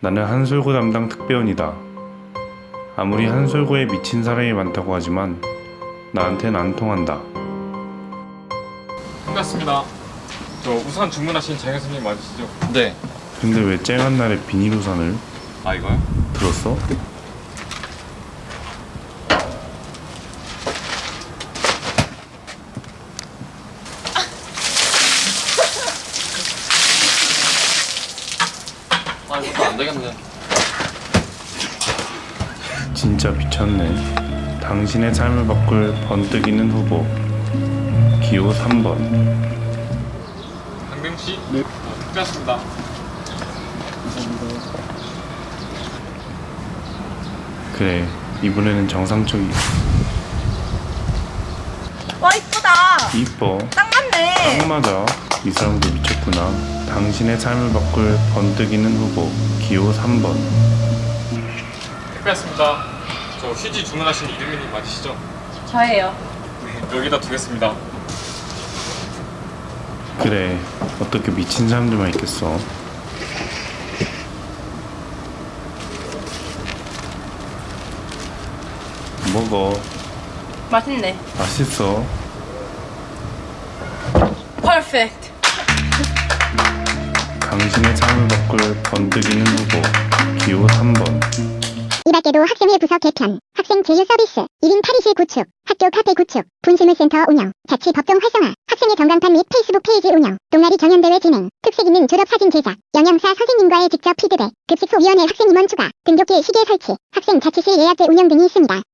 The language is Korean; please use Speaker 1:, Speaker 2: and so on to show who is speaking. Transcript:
Speaker 1: 나는 한솔고 담당 특배원이다. 아무리 한솔고에 미친 사람이 많다고 하지만 나한텐 안 통한다.
Speaker 2: 끝났습니다. 저 우산 주문하신 장 교수님 맞으시죠?
Speaker 3: 네.
Speaker 1: 근데 왜 쨍한 날에 비닐 우산을
Speaker 3: 아, 이거요?
Speaker 1: 들었어?
Speaker 3: 아, 이것도 안 되겠네.
Speaker 1: 진짜 미쳤네. 당신의 삶을 바꿀 번뜩이는 후보 기호 3번.
Speaker 2: 강병 씨? 네. 끝났습니다.
Speaker 1: 그래, 이번에는 정상적이
Speaker 4: 와 이쁘다.
Speaker 1: 이뻐.
Speaker 4: 딱 맞네.
Speaker 1: 딱 맞아. 이 사람도 미쳤구나. 당신의 삶을 바꿀 번뜩이는 후보 기호 3번.
Speaker 2: 끝났습니다. 저 휴지 주문하신 이름이님 맞으시죠?
Speaker 4: 저예요.
Speaker 2: 네, 여기다 두겠습니다.
Speaker 1: 그래, 어떻게 미친 사람들만 있겠어. 먹어.
Speaker 4: 맛있네.
Speaker 1: 맛있어.
Speaker 4: 퍼펙트.
Speaker 1: 당신의 삶을 바꿀 번뜩이는 후보 기호 3번.
Speaker 5: 이 밖에도 학생회 부서 개편, 학생 제휴 서비스, 1인 탈의실 구축, 학교 카페 구축, 분실물센터 운영, 자치 법정 활성화, 학생회 전광판 및 페이스북 페이지 운영, 동아리 경연대회 진행, 특색 있는 졸업사진 제작, 영양사 선생님과의 직접 피드백, 급식소위원회 학생 임원 추가, 등교길 시계 설치, 학생 자치실 예약제 운영 등이 있습니다.